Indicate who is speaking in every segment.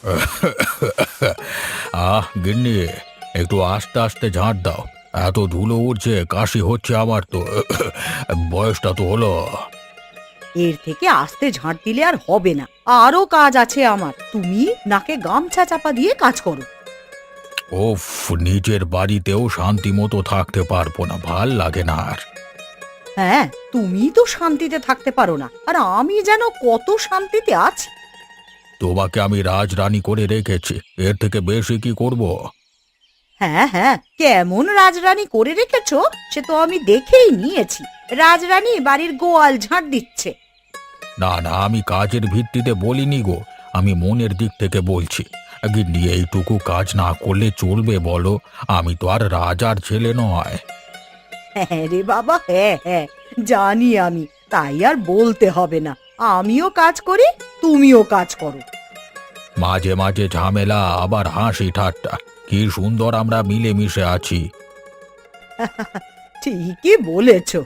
Speaker 1: গিন্নি, একটু আস্তে আস্তে ঝাঁট দাও। এত ধুলো উঠছে, কাশি হচ্ছে আমার তো। বয়সটা তো হলো।
Speaker 2: এর থেকে আস্তে ঝাঁট দিলে আর হবে না, আরো কাজ আছে আমার। তুমি নাকে গামছা চাপা দিয়ে কাজ করো।
Speaker 1: ওফ, নিজের বাড়িতেও শান্তি মতো থাকতে পারবো না, ভাল লাগে না আর।
Speaker 2: হ্যাঁ, তুমি তো শান্তিতে থাকতে পারো না, আর আমি যেন কত শান্তিতে আছি।
Speaker 1: তোমাকে আমি রাজরানী করে রেখেছি, এর থেকে বেশি কি করব?
Speaker 2: হ্যাঁ হ্যাঁ, কেমন রাজরানী করে রেখেছো সে তো আমি দেখেই নিয়েছি। রাজরানী বাড়ির গোয়াল ঝাঁট দিচ্ছে।
Speaker 1: না না, আমি কাজের ভিত্তিতে বলিনি গো, আমি মনের দিক থেকে বলছি। গিন্নি, এইটুকু কাজ না করলে চলবে বলো? আমি তো আর রাজার ছেলে নয়।
Speaker 2: হ্যাঁ রে বাবা, হ্যাঁ হ্যাঁ, জানি আমি, তাই আর বলতে হবে না। আমিও কাজ করি, তুমিও কাজ করো।
Speaker 1: মাঝে মাঝে ঝামেলা, আবার হাসি ঠাট্টা, কি সুন্দর আমরা মিলেমিশে আছি।
Speaker 2: ঠিকই বলেছো।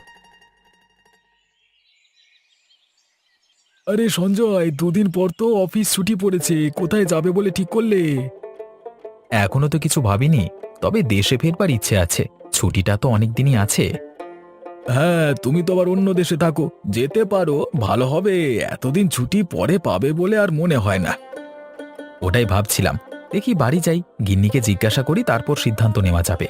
Speaker 3: আরে সঞ্জয়, দুদিন পর তো অফিস ছুটি পড়েছে, কোথায় যাবে বলে ঠিক করলে?
Speaker 4: এখনো তো কিছু ভাবিনি, তবে দেশে ফেরবার ইচ্ছে আছে। ছুটিটা তো অনেক দিনই আছে।
Speaker 3: হ্যাঁ, তুমি তো আবার অন্য দেশে থাকো, যেতে পারো, ভালো হবে। এতদিন ছুটি পরে পাবে বলে আর মনে হয় না।
Speaker 4: ওটাই ভাবছিলাম, দেখি বাড়ি যাই, গিন্নিকে জিজ্ঞাসা করি, তারপর সিদ্ধান্ত নেওয়া যাবে।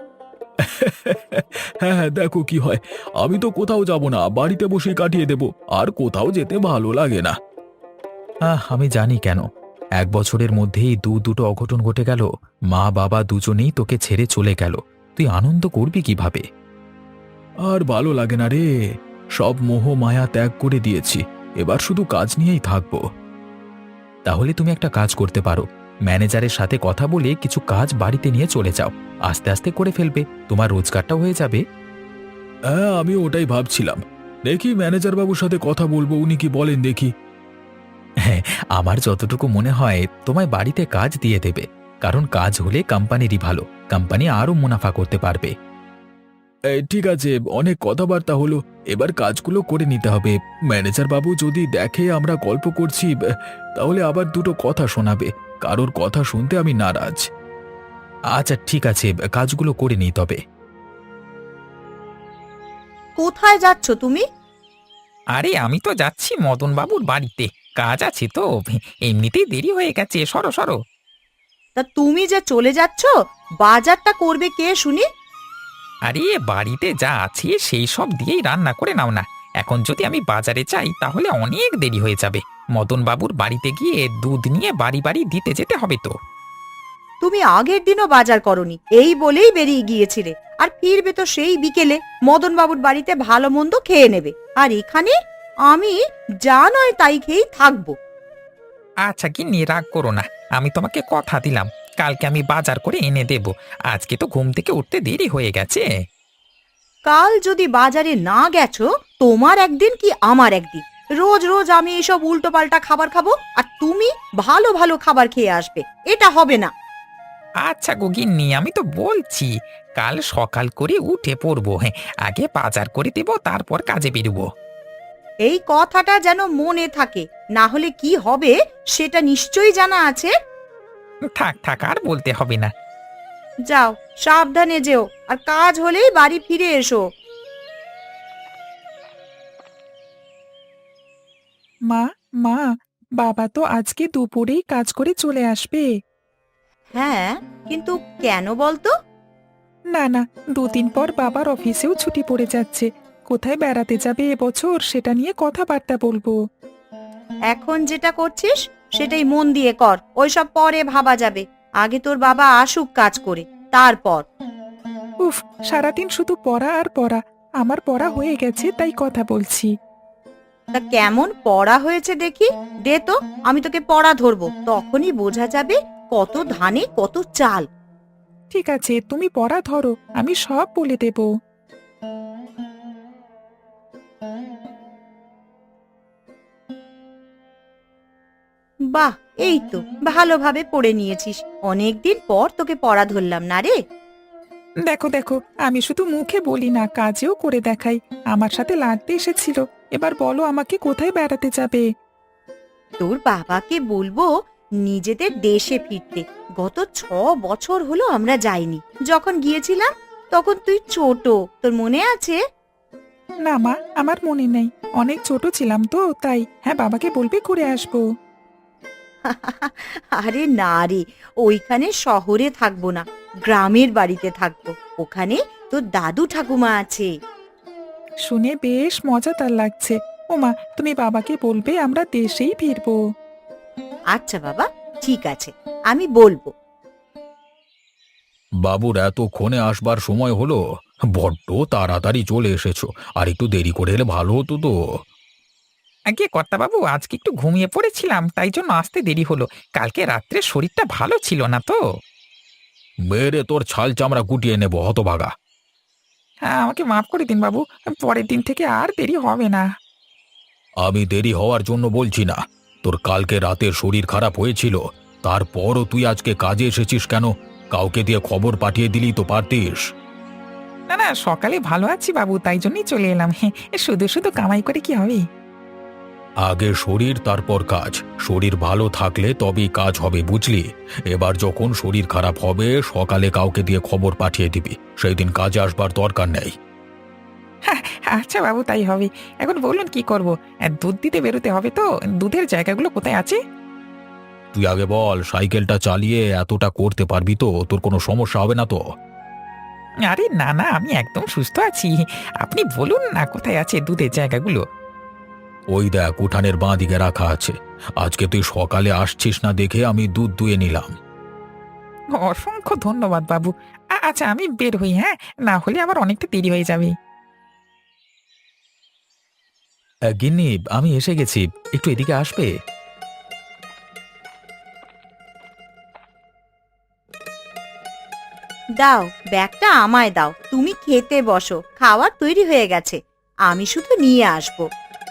Speaker 3: হ্যাঁ হ্যাঁ, দেখো কি হয়। আমি তো কোথাও যাব না, বাড়িতে বসেই কাটিয়ে দেব। আর কোথাও যেতে ভালো লাগে না।
Speaker 4: আমি জানি কেন। 1 বছরের মধ্যেই দুটো অঘটন ঘটে গেল। মা বাবা দুজনেই তোকে ছেড়ে চলে গেল। তুই আনন্দ করবি কিভাবে?
Speaker 3: আর ভালো লাগে না রে, সব মোহ মায়া ত্যাগ করে দিয়েছি, এবার শুধু কাজ নিয়েই থাকবো।
Speaker 4: তাহলে তুমি একটা কাজ করতে পারো, ম্যানেজারের সাথে কথা বলে কিছু কাজ বাড়িতে নিয়ে চলে যাও। আস্তে আস্তে করে ফেলবে, তোমার রোজগারটাও হয়ে যাবে।
Speaker 3: হ্যাঁ, আমি ওটাই ভাবছিলাম। দেখি ম্যানেজার বাবুর সাথে কথা বলবো, উনি কি বলেন দেখি।
Speaker 4: হ্যাঁ, আমার যতটুকু মনে হয় তোমায় বাড়িতে কাজ দিয়ে দেবে, কারণ কাজ হলে কোম্পানিরই ভালো, কোম্পানি আরও মুনাফা করতে পারবে।
Speaker 3: ঠিক আছে, অনেক কথাবার্তা হলো, এবার কাজগুলো করে নিতে হবে। ম্যানেজার বাবু যদি দেখে আমরা গল্প করছি, তাহলে আবার দুটো কথা শোনাবে। কারোর কথা শুনতে আমি নারাজ।
Speaker 4: আচ্ছা ঠিক আছে, কাজগুলো করে নিই তবে।
Speaker 2: কোথায় যাচ্ছ তুমি?
Speaker 5: আরে আমি তো যাচ্ছি মদন বাবুর বাড়িতে, কাজ আছে তো। এমনিতেই দেরি হয়ে গেছে, সরো সরো।
Speaker 2: তা তুমি যে চলে যাচ্ছ, বাজারটা করবে কে শুনি?
Speaker 5: আরে বাড়িতে যা আছে সেই সব দিয়েই রান্না করে নাও না। এখন যদি আমি বাজারে যাই তাহলে অনেক দেরি হয়ে যাবে। মদন বাবুর বাড়িতে গিয়ে দুধ নিয়ে বাড়ি বাড়ি দিতে যেতে হবে তো।
Speaker 2: তুমি আগের দিনও বাজার করনি, এই বলেই বেরিয়ে গিয়েছিলে, আর ফিরবে তো সেই বিকেলে। মদন বাবুর বাড়িতে ভালো মন্দ খেয়ে নেবে, আর এখানে আমি যা নয় তাই খেয়েই থাকবো।
Speaker 5: আচ্ছা কি নিয়ে রাগ করো না, আমি তোমাকে কথা দিলাম কালকে আমি বাজার করে এনে দেব। আজকে তো ঘুম থেকে উঠতে দেরি হয়ে গেছে।
Speaker 2: কাল যদি বাজারে না গেছো, তোমার একদিন কি আমার একদিন। রোজ রোজ আমি এসব উল্টো পাল্টা খাবার খাবো, আর তুমি ভালো ভালো খাবার খেয়ে আসবে, এটা হবে না।
Speaker 5: আচ্ছা গো গিন্নি, আমি তো বলছি কাল সকাল করে উঠে পড়বো। হ্যাঁ, আগে বাজার করে দেব, তারপর কাজে বেরোবো।
Speaker 2: এই কথাটা যেন মনে থাকে, না হলে কি হবে সেটা নিশ্চয়ই জানা আছে।
Speaker 5: থাক থাক, আর বলতে হবে না।
Speaker 2: যাও, সাবধানে যেও, আর কাজ হলেই বাড়ি ফিরে এসো।
Speaker 6: মা, মা, বাবা তো আজকে দুপুরেই কাজ করে চলে আসবে।
Speaker 2: হ্যাঁ, কিন্তু কেন বলতো?
Speaker 6: না না, 2 দিন পর বাবার অফিসেও ছুটি পড়ে যাচ্ছে। কোথায় বেড়াতে যাবে এবছর সেটা নিয়ে কথাবার্তা বলবো।
Speaker 2: এখন যেটা করছিস সেটাই মন দিয়ে কর, ওইসব পরে ভাবা যাবে। আগে তোর বাবা আসুক কাজ করে, তারপর।
Speaker 6: উফ, সারাদিন শুধু পড়া আর পড়া। আমার পড়া হয়ে গেছে, তাই কথা বলছি।
Speaker 2: তা কেমন পড়া হয়েছে দেখি, দে তো, আমি তোকে পড়া ধরবো, তখনই বোঝা যাবে কত ধানে কত চাল।
Speaker 6: ঠিক আছে, তুমি পড়া ধরো, আমি সব বলে দেব।
Speaker 2: বাহ, এই তো ভালোভাবে পড়ে নিয়েছিস। অনেকদিন পর তোকে পড়া ধরলাম না রে।
Speaker 6: দেখো দেখো, আমি শুধু মুখে বলি না, কাজেও করে দেখাই। আমার সাথে লাগতে এসেছিল। এবার বলো আমাকে কোথায় বেড়াতে যাবে?
Speaker 2: তোর বাবাকে বলবো নিজেদের দেশে ফিরতে। গত 6 বছর হলো আমরা যাইনি। যখন গিয়েছিলাম তখন তুই ছোট, তোর মনে আছে?
Speaker 6: না মা, আমার মনে নেই, অনেক ছোট ছিলাম তো তাই। হ্যাঁ, বাবাকে বলবি ঘুরে আসবো।
Speaker 2: আরে না রে, ওইখানে শহরে থাকবো না, গ্রামের বাড়িতে থাকবো। ওখানে তোর দাদু ঠাকুমা আছে।
Speaker 6: শুনে বেশ মজাদার লাগছে। ওমা, তুমি বাবাকে বলবে আমরা দেশেই ফিরবো।
Speaker 2: আচ্ছা বাবা, ঠিক আছে, আমি বলবো।
Speaker 1: বাবুর এতক্ষণে আসবার সময় হলো? বড্ড তাড়াতাড়ি চলে এসেছো, আর একটু দেরি করে এলে ভালো হতো তো।
Speaker 5: আগে কর্তাবাবু, আজকে একটু ঘুমিয়ে পড়েছিলাম, তাই জন্য আসতে দেরি হলো। কালকে রাত্রে শরীরটা ভালো ছিল না তো।
Speaker 1: মেরে তোর ছাল চামড়া গুটিয়ে নেব হতভাগা।
Speaker 5: হ্যাঁ, আমাকে মাফ করে দিন বাবু, পরের দিন থেকে আর দেরি হবে না।
Speaker 1: আমি দেরি হওয়ার জন্য বলছি না। তোর কালকে রাতে শরীর খারাপ হয়েছিল, তারপরও তুই আজকে কাজে এসেছিস কেন? কাউকে দিয়ে খবর পাঠিয়ে দিলি তো পারতিস।
Speaker 5: না না, সকালে ভালো আছি বাবু, তাই জন্যই চলে এলাম। হ্যাঁ, শুধু শুধু কামাই করে কি হবে?
Speaker 1: আগে শরীর, তারপর কাজ। শরীর ভালো থাকলে তবেই কাজ হবে, বুঝলি? এবার যখন শরীর খারাপ হবে সকালে কাউকে দিয়ে খবর পাঠিয়ে দিবি, সেই দিন কাজে আসবার দরকার নেই।
Speaker 5: আচ্ছা বাবু, তাই হবে। এখন বলুন কি করব? দুধ দিতে বেরোতে হবে তো, দুধের জায়গাগুলো কোথায় আছে?
Speaker 1: তুই আগে বল, সাইকেলটা চালিয়ে এতটা করতে পারবি তো? তোর কোনো সমস্যা হবে না তো?
Speaker 5: আরে না না, আমি একদম সুস্থ আছি। আপনি বলুন না কোথায় আছে দুধের জায়গাগুলো।
Speaker 1: ওই দেখ, উঠানের বাঁ দিকে রাখা আছে। আজকে তুই সকালে আসছিস না দেখে আমি দুধ দুয়ে নিলাম।
Speaker 5: অসংখ্য ধন্যবাদ বাবু। আচ্ছা, আমি বের হই, হ্যাঁ? না হলে আবার অনেকটা দেরি হয়ে যাবে।
Speaker 4: গিন্নি, আমি এসে গেছি, একটু এদিকে আসবে?
Speaker 2: দাও, ব্যাগটা আমায় দাও। তুমি খেতে বসো, খাবার তৈরি হয়ে গেছে, আমি শুধু নিয়ে আসবো।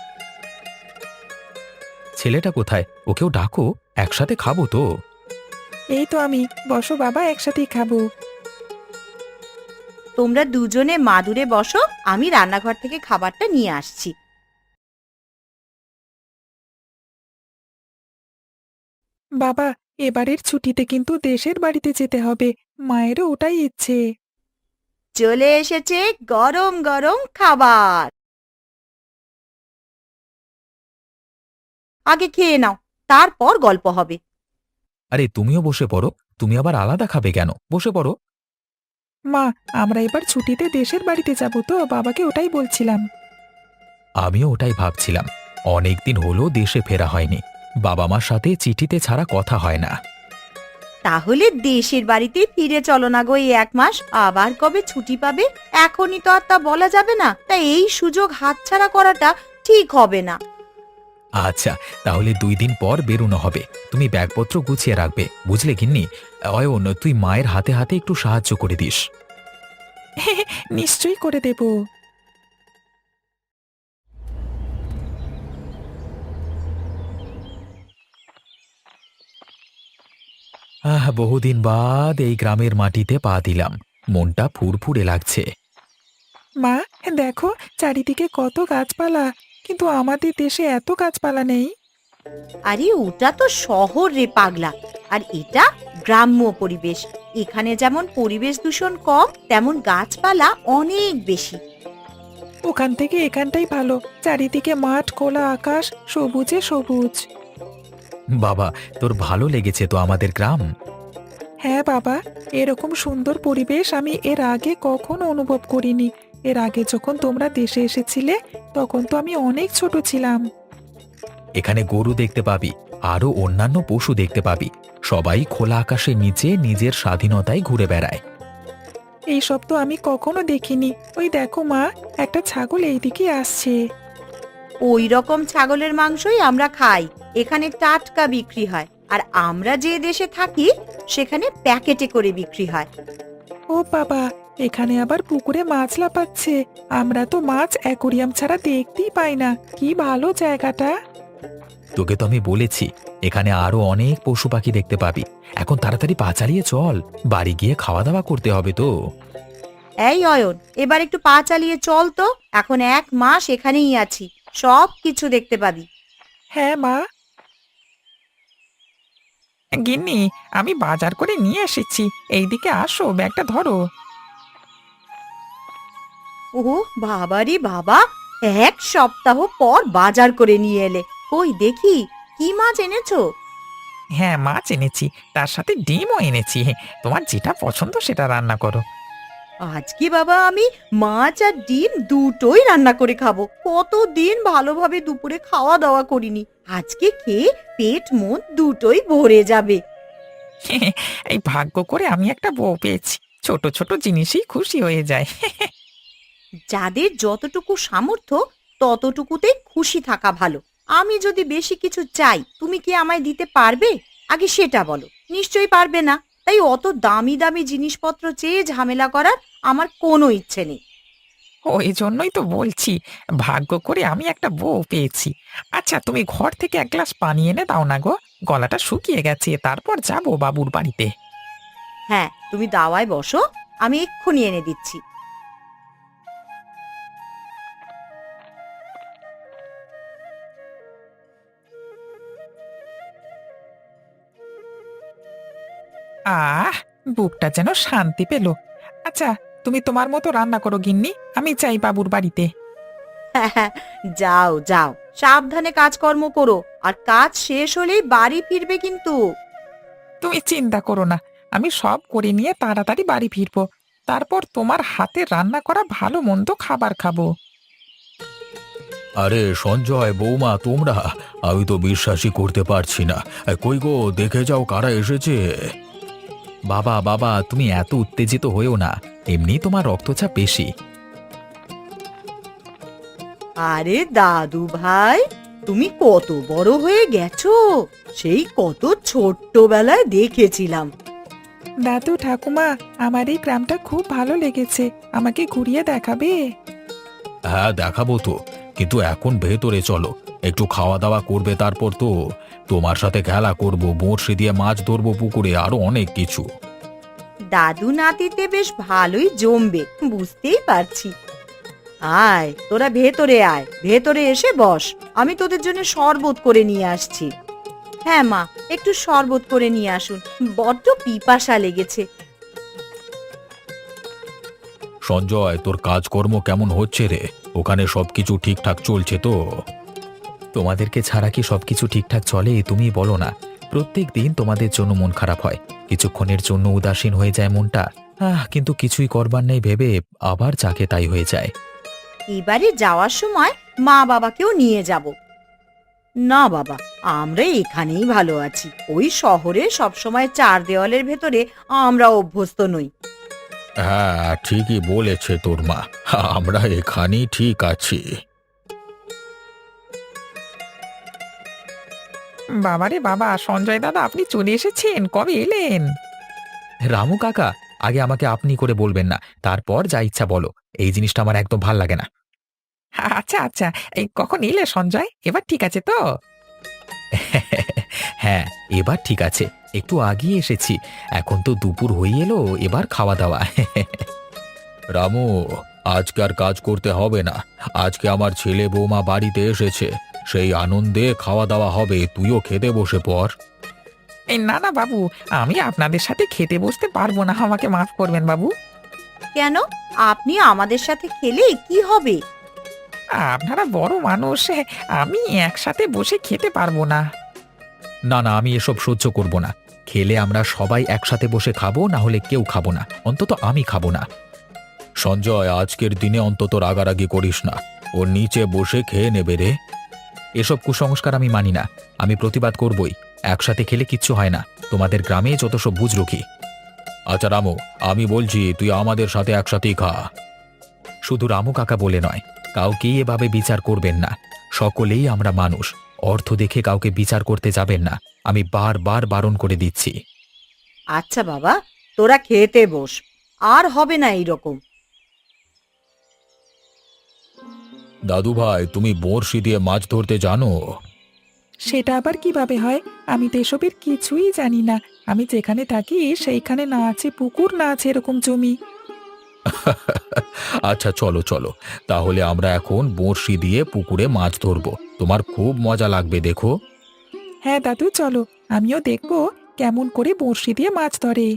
Speaker 4: ছেলেটা কোথায়? ওকেও ডাকো, একসাথে খাবো তো।
Speaker 6: এই তো আমি, বসো বাবা, একসাথেই খাবো।
Speaker 2: তোমরা দুজনে মাদুরে বসো, আমি রান্নাঘর থেকে খাবারটা নিয়ে আসছি।
Speaker 6: বাবা, এবারের ছুটিতে কিন্তু দেশের বাড়িতে যেতে হবে, মায়েরও ওটাই ইচ্ছে।
Speaker 2: চলে এসেছে গরম গরম খাবার, আগে খেয়ে নাও, তারপর গল্প হবে।
Speaker 4: আরে তুমিও বসে পড়ো, তুমি আবার আলাদা খাবে কেন? বসে পড়ো।
Speaker 6: মা, আমরা এবার ছুটিতে দেশের বাড়িতে যাব তো, বাবাকে ওটাই বলছিলাম।
Speaker 4: আমিও ওটাই ভাবছিলাম, অনেক দিন হলো দেশে ফেরা হয়নি, বাবা মার সাথে চিঠিতে ছাড়া কথা হয় না।
Speaker 2: তাহলে দেশের বাড়িতে ফিরে চলো না গো, এই 1 মাস। আবার কবে ছুটি পাবে এখনই তো আর তা বলা যাবে না, তাই এই সুযোগ হাতছাড়া করাটা ঠিক হবে না।
Speaker 4: আচ্ছা, তাহলে 2 দিন পর বেরোনো হবে। তুমি ব্যাগপত্র গুছিয়ে রাখবে, বুঝলে গিন্নি? অয়ন, তুই মায়ের হাতে হাতে একটু সাহায্য করে দিস।
Speaker 6: নিশ্চয়ই করে দেব।
Speaker 4: বহুদিন বাদ এই গ্রামের মাটিতে পা দিলাম, মনটা ফুরফুরে লাগছে।
Speaker 6: মা, দেখো চারিদিকে কত গাছপালা, কিন্তু আমাদের দেশে এত গাছপালা নেই।
Speaker 2: আরে ওটা তো শহর রে পাগলা, আর এটা গ্রাম্য পরিবেশ। এখানে যেমন পরিবেশ দূষণ কম, তেমন গাছপালা অনেক বেশি।
Speaker 6: ওখান থেকে এখানটাই ভালো, চারিদিকে মাঠ, খোলা আকাশ, সবুজে সবুজ।
Speaker 4: বাবা, তোর ভালো লেগেছে তো আমাদের গ্রাম?
Speaker 6: হ্যাঁ বাবা, এরকম সুন্দর পরিবেশ আমি এর আগে কখনো অনুভব করিনি। এর আগে যখন তোমরা দেশে এসেছিলে তখন তো আমি অনেক ছোট ছিলাম।
Speaker 4: এখানে গরু দেখতে পাবি, আরো অন্যান্য পশু দেখতে পাবি। সবাই খোলা আকাশের নিচে নিজের স্বাধীনতায় ঘুরে বেড়ায়।
Speaker 6: এইসব তো আমি কখনো দেখিনি। ওই দেখো মা, একটা ছাগল এইদিকে আসছে।
Speaker 2: ওই রকম ছাগলের মাংসই আমরা খাই, এখানে টাটকা বিক্রি হয়। আর আমরা যে দেশে থাকি সেখানে প্যাকেটে করে বিক্রি হয়।
Speaker 6: ও বাবা, এখানে আবার পুকুরে মাছ লাফাচ্ছে। আমরা তো মাছ অ্যাকোরিয়াম ছাড়া দেখতেই পাই না। কি ভালো জায়গাটা।
Speaker 4: তোকে তো আমি বলেছি, এখানে আরো অনেক পশু পাখি দেখতে পাবি। এখন তাড়াতাড়ি পা চালিয়ে চল, বাড়ি গিয়ে খাওয়া দাওয়া করতে হবে তো।
Speaker 2: এই অয়ন, এবার একটু পা চালিয়ে চল তো, এখন 1 মাস এখানেই আছি, সব কিছু দেখতে পাবি।
Speaker 6: হ্যাঁ মা।
Speaker 5: গিন্নি, আমি বাজার করে নিয়ে এসেছি, এইদিকে আসো, ব্যাগটা ধরো।
Speaker 2: ও বাবা রে বাবা, 1 সপ্তাহ পর বাজার করে নিয়ে এলে। কই দেখি কি মাছ এনেছো?
Speaker 5: হ্যাঁ, মাছ এনেছি, তার সাথে ডিমও এনেছি। তোমার যেটা পছন্দ সেটা রান্না করো।
Speaker 2: আজকে বাবা আমি মাছ আর ডিম দুটোই রান্না করে খাবো। কতদিন ভালোভাবে দুপুরে খাওয়া দাওয়া করিনি, আজকে খেয়ে পেট মন দুটোই ভরে যাবে।
Speaker 5: এই ভাগ্য করে আমি একটা বউ পেয়েছি, ছোট ছোট জিনিসেই খুশি হয়ে যায়।
Speaker 2: যাদের যতটুকু সামর্থ্য ততটুকুতেই খুশি থাকা ভালো। আমি যদি বেশি কিছু চাই, তুমি কি আমায় দিতে পারবে? আগে সেটা বলো। নিশ্চয়ই পারবে না, তাই অত দামি দামি জিনিসপত্র চেয়ে ঝামেলা করার আমার কোনো ইচ্ছে নেই।
Speaker 5: ওই জন্যই তো বলছি, ভাগ্য করে আমি একটা বউ পেয়েছি। আচ্ছা, তুমি ঘর থেকে এক গ্লাস পানি এনে দাও না গো, গলাটা শুকিয়ে গেছে, তারপর যাবো বাবুর বাড়িতে।
Speaker 2: হ্যাঁ, তুমি দাওয়ায় বসো, আমি এক্ষুনি এনে দিচ্ছি।
Speaker 5: আহ, বুকটা যেন শান্তি পেল। আচ্ছা, তুমি তোমার মতো রান্না করো গিন্নি, আমি চাই বাবুর বাড়িতে।
Speaker 2: যাও যাও, সাবধানে কাজকর্ম করো, আর কাজ শেষ হলেই বাড়ি ফিরবে কিন্তু।
Speaker 5: তুমি চিন্তা করো না, আমি সব করে নিয়ে তাড়াতাড়ি বাড়ি ফিরবো, তারপর তোমার হাতে রান্না করা ভালো মন্দ খাবার খাবো।
Speaker 1: আরে সঞ্জয়, বৌমা, তোমরা! আমি তো বিশ্বাসই করতে পারছি না। কই গো, দেখে যাও কারা এসেছে।
Speaker 4: বাবা বাবা, তুমি এত উত্তেজিত হয়েও না, এমনি তোমার রক্তচাপ বেশি।
Speaker 2: আরে দাদু ভাই, তুমি কত বড় হয়ে গেছো, সেই কত ছোট্টবেলায় দেখেছিলাম।
Speaker 6: দাদু ঠাকুমা, আমার এই গ্রামটা খুব ভালো লেগেছে, আমাকে ঘুরিয়ে দেখাবে?
Speaker 1: হ্যাঁ, দেখাবো তো, কিন্তু এখন ভেতরে চলো, একটু খাওয়া দাওয়া করবে, তারপর তো তোমার সাথে খেলা করব, বড়শি দিয়ে মাছ ধরবো পুকুরে, আরো অনেক কিছু।
Speaker 2: দাদু নাতিতে বেশ ভালোই জমবে, বুঝতেই পারছি। আয় তোরা ভেতরে আয়, ভেতরে এসে বস, আমি তোদের জন্য শরবত করে নিয়ে আসছি। হ্যাঁ মা, একটু শরবত করে নিয়ে আসুন, বড্ড পিপাসা লেগেছে।
Speaker 1: সঞ্জয়, তোর কাজকর্ম কেমন হচ্ছে রে? ওখানে সবকিছু ঠিকঠাক চলছে তো?
Speaker 4: তোমাদেরকে ছাড়া কি সবকিছু ঠিকঠাক চলে? তুমি বলো না। প্রত্যেক দিন তোমাদের জন্য মন খারাপ হয়, কিছুক্ষণের জন্য উদাসীন হয়ে যায় মনটা। কিন্তু কিছুই করবার নেই ভেবে আবার যাকে তাই হয়ে যায়।
Speaker 2: এবারে যাওয়ার সময় মা বাবাকেও নিয়ে যাব। না বাবা, আমরা এখানেই ভালো আছি। ওই শহরে সবসময় চার দেওয়ালের ভেতরে আমরা অভ্যস্ত নই।
Speaker 1: হ্যাঁ, ঠিকই বলেছে তোর মা, আমরা এখানেই ঠিক আছি।
Speaker 5: বাবারে বাবা, সঞ্জয় দাদা, আপনি চলে এসেছেন, কবে এলেন?
Speaker 4: রামু কাকা, আগে আমাকে আপনি করে বলবেন না, তারপর যা ইচ্ছা বলো। এই জিনিসটা আমার একদম ভাল লাগে না।
Speaker 5: আচ্ছা আচ্ছা, এই কখন এলে সঞ্জয়, এবার ঠিক আছে তো?
Speaker 4: হ্যাঁ, এবার ঠিক আছে, একটু আগিয়ে এসেছি। এখন তো দুপুর হয়ে এলো, এবার খাওয়া দাওয়া।
Speaker 1: রামু, আজকে আর কাজ করতে হবে না, আজকে আমার ছেলে বৌমা বাড়িতে এসেছে, সেই আনন্দে খাওয়া দাওয়া হবে, তুইও খেতে বসে পড়।
Speaker 5: এই না না বাবু, আমি আপনাদের সাথে খেতে বসতে পারবো না, আমাকে মাফ করবেন বাবু।
Speaker 2: কেন? আপনি আমাদের সাথে খেলে কি হবে?
Speaker 5: আপনারা বড় মানুষ, আমি একসাথে বসে খেতে পারবো না।
Speaker 4: না না, আমি এসব সহ্য করব না। খেলে আমরা সবাই একসাথে বসে খাবো, না হলে কেউ খাবো না, অন্তত আমি খাবো না।
Speaker 1: সঞ্জয়, আজকের দিনে অন্তত রাগারাগি করিস না, ও নিচে বসে খেয়ে নেবে রে।
Speaker 4: এসব কুসংস্কার আমি মানি না, আমি প্রতিবাদ করবই। একসাথে খেলে কিচ্ছু হয় না, তোমাদের গ্রামে যত সব বুঝরুখি।
Speaker 1: আচ্ছা রামু, আমি বলছি তুই আমাদের সাথে একসাথেই খা।
Speaker 4: শুধু রামু কাকা বলে নয়, কাউকেই এভাবে বিচার করবেন না। সকলেই আমরা মানুষ, অর্থ দেখে কাউকে বিচার করতে যাবেন না, আমি বারবার বারণ করে দিচ্ছি।
Speaker 2: আচ্ছা বাবা, তোরা খেতে বস, আর হবে না এইরকম।
Speaker 1: দাদু ভাই, তুমি বড়শি দিয়ে মাছ ধরতে জানো?
Speaker 6: সেটা আবার কিভাবে হয়? আমি তো এসবের কিছুই জানি না। আমি যেখানে থাকি সেইখানে না আছে পুকুর, না আছে এরকম জমি।
Speaker 1: আচ্ছা চলো চলো, তাহলে আমরা এখন বড়শি দিয়ে পুকুরে মাছ ধরবো, তোমার খুব মজা লাগবে, দেখো।
Speaker 6: হ্যাঁ দাদু, চলো, আমিও দেখবো কেমন করে বড়শি দিয়ে মাছ ধরে।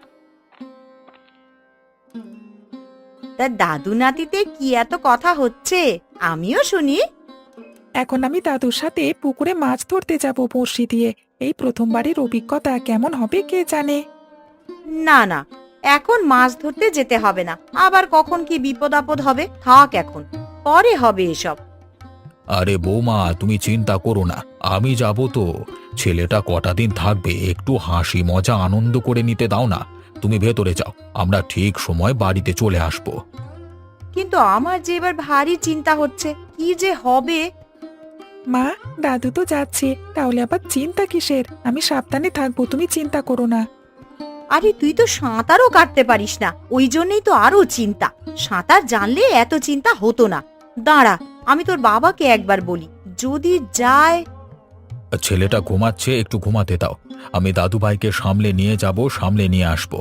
Speaker 2: তা দাদু নাতিতে কি এত কথা হচ্ছে, আমিও শুনি।
Speaker 6: এখন আমি দাদুর সাথে পুকুরে মাছ ধরতে যাব বড়শি দিয়ে। এই প্রথমবারের অভিজ্ঞতা কেমন হবে কে জানে।
Speaker 2: না না, এখন মাছ ধরতে যেতে হবে না, আবার কখন কি বিপদ আপদ হবে, থাক এখন, পরে হবে এসব।
Speaker 1: আরে বৌমা, তুমি চিন্তা করো না, আমি যাব তো। ছেলেটা কটা দিন থাকবে, একটু হাসি মজা আনন্দ করে নিতে দাও না। তুমি ভেতরে যাও, আমরা ঠিক সময় বাড়িতে চলে আসব।
Speaker 2: কিন্তু আমার যে এবার ভারী চিন্তা হচ্ছে, কি যে হবে।
Speaker 6: মা, দাদু তো যাচ্ছে, তাহলে আবার চিন্তা কিসের? আমি সাবধানে থাকবো, তুমি চিন্তা করো না।
Speaker 2: আরে তুই তো সাঁতারও কাটতে পারিস না, ওই জন্যই তো আরো চিন্তা। সাঁতার জানলে এত চিন্তা হতো না। দাঁড়া, আমি তোর বাবাকে একবার বলি, যদি যায়।
Speaker 1: ছেলেটা ঘুমাচ্ছে, একটু ঘুমাতে দাও। আমি দাদু ভাইকে সামলে নিয়ে যাব, সামলে নিয়ে আসব।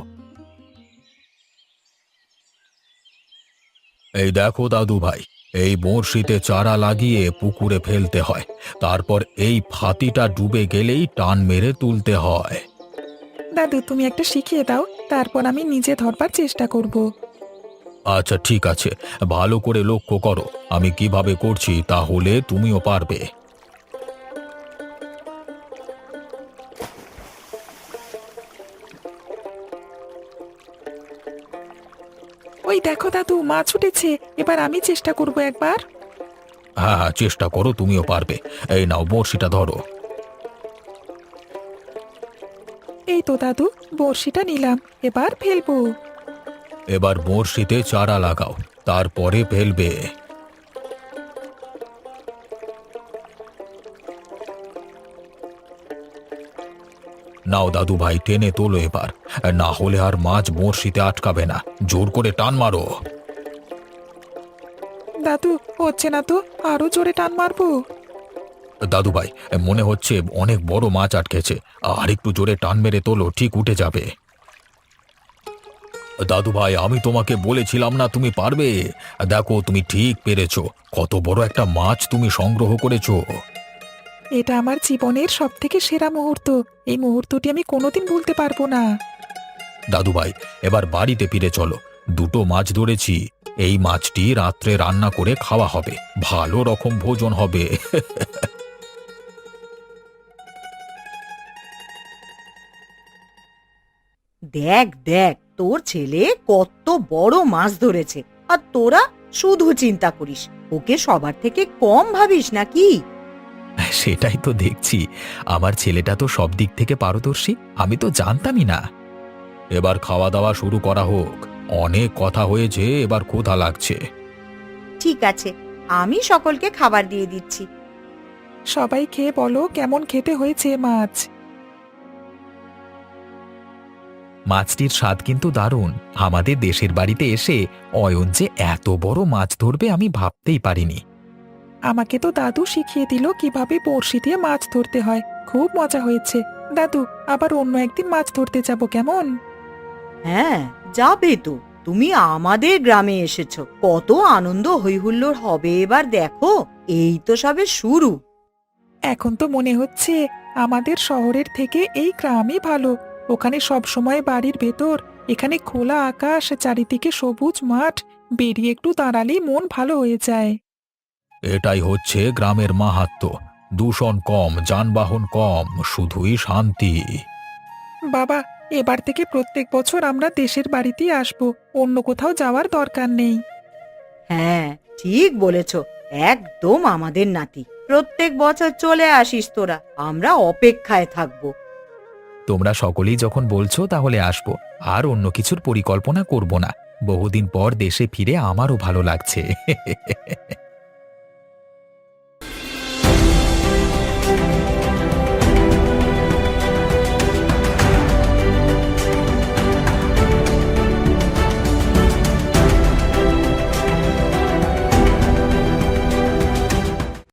Speaker 1: এই দেখো দাদু ভাই, এই বড়শিতে চারা লাগিয়ে পুকুরে ফেলতে হয়, তারপর এই ফাতিটা ডুবে গেলেই টান মেরে তুলতে হয়।
Speaker 6: দাদু, তুমি একটা শিখিয়ে দাও, তারপর আমি নিজে ধরবার চেষ্টা করব।
Speaker 1: আচ্ছা ঠিক আছে, ভালো করে লক্ষ্য করো আমি কিভাবে করছি, তাহলে তুমিও পারবে।
Speaker 6: ওই দেখো দাদু, মাছ উঠেছে। এবার আমি চেষ্টা করব একবার।
Speaker 1: হ্যাঁ হ্যাঁ, চেষ্টা করো, তুমিও পারবে। এই নাও, বড়শিটা ধরো।
Speaker 6: এই তো দাদু, বড়শিটা নিলাম, এবার ফেলবো।
Speaker 1: এবার বড়শিতে চারা লাগাও, তারপরে ফেলবে। নাও দাদু ভাই, টেনে তোলো এবার, না হলে আর মাছ বড়শিতে আটকাবে না। জোর করে টান মারো।
Speaker 6: দাদু, হচ্ছে না তো, আরো জোরে টান মারবো।
Speaker 1: দাদু ভাই, মনে হচ্ছে অনেক বড় মাছ আটকেছে, আর একটু জোরে টান মেরে তোলো, ঠিক উঠে যাবে। দাদু ভাই, আমি তোমাকে বলেছিলাম না তুমি পারবে। দেখো, তুমি ঠিক পেরেছো। কত বড় একটা মাছ তুমি সংগ্রহ করেছো।
Speaker 6: এটা আমার জীবনের সব থেকে সেরা মুহূর্ত। এই মুহূর্তটি আমি কোনোদিন ভুলতে পারবো না।
Speaker 1: দাদু ভাই, এবার বাড়িতে ফিরে চলো। দুটো মাছ ধরেছি, এই মাছটি রাত্রে রান্না করে খাওয়া হবে, ভালো রকম ভোজন হবে।
Speaker 2: দেখ দেখ, তোর ছেলে কত বড় মাছ ধরেছে, আর তোরা শুধু চিন্তা করিস। ওকে সবার থেকে কম ভাবিস নাকি?
Speaker 4: সেটাই তো দেখছি, আমার ছেলেটা তো সব দিক থেকে পারদর্শী, আমি তো জানতামই না।
Speaker 1: এবার খাওয়া দাওয়া শুরু করা হোক, অনেক কথা হয়েছে, এবার ক্ষুধা লাগছে।
Speaker 2: ঠিক আছে, আমি সকলকে খাবার দিয়ে দিচ্ছি।
Speaker 6: সবাই খেয়ে বলো কেমন খেতে হয়েছে মাছ।
Speaker 4: মাছটির স্বাদ কিন্তু দারুণ। আমাদের দেশের বাড়িতে এসে অয়ন যে এত বড় মাছ ধরবে আমি ভাবতেই পারিনি।
Speaker 6: আমাকে তো দাদু শিখিয়ে দিল কিভাবে বড়শি দিয়ে মাছ ধরতে হয়, খুব মজা হয়েছে। দাদু, আবার অন্য একদিন মাছ ধরতে যাব কেমন?
Speaker 2: হ্যাঁ, যাবে তো। তুমি আমাদের গ্রামে এসেছো, কত আনন্দ হইহুল্লোড় হবে এবার দেখো। এই তো সবে শুরু।
Speaker 6: এখন তো মনে হচ্ছে আমাদের শহরের থেকে এই গ্রামই ভালো। ওখানে সব সময় বাড়ির ভেতর, এখানে খোলা আকাশ, চারিদিকে সবুজ মাঠ, বেরিয়ে একটু দাঁড়ালেই মন ভালো হয়ে যায়।
Speaker 1: এটাই হচ্ছে গ্রামের মাহাত্ম্য। দূষণ কম, যানবাহন কম, শুধুই শান্তি।
Speaker 6: বাবা, এবার থেকে প্রত্যেক বছর আমরা দেশের বাড়িতেই আসবো, অন্য কোথাও যাওয়ার দরকার নেই।
Speaker 2: হ্যাঁ, ঠিক বলেছ, একদম আমাদের নাতি। প্রত্যেক বছর চলে আসিস তোরা, আমরা অপেক্ষায় থাকবো।
Speaker 4: তোমরা সকলেই যখন বলছো তাহলে আসবো, আর অন্য কিছুর পরিকল্পনা করব না। বহুদিন পর দেশে ফিরে আমারও ভালো লাগছে।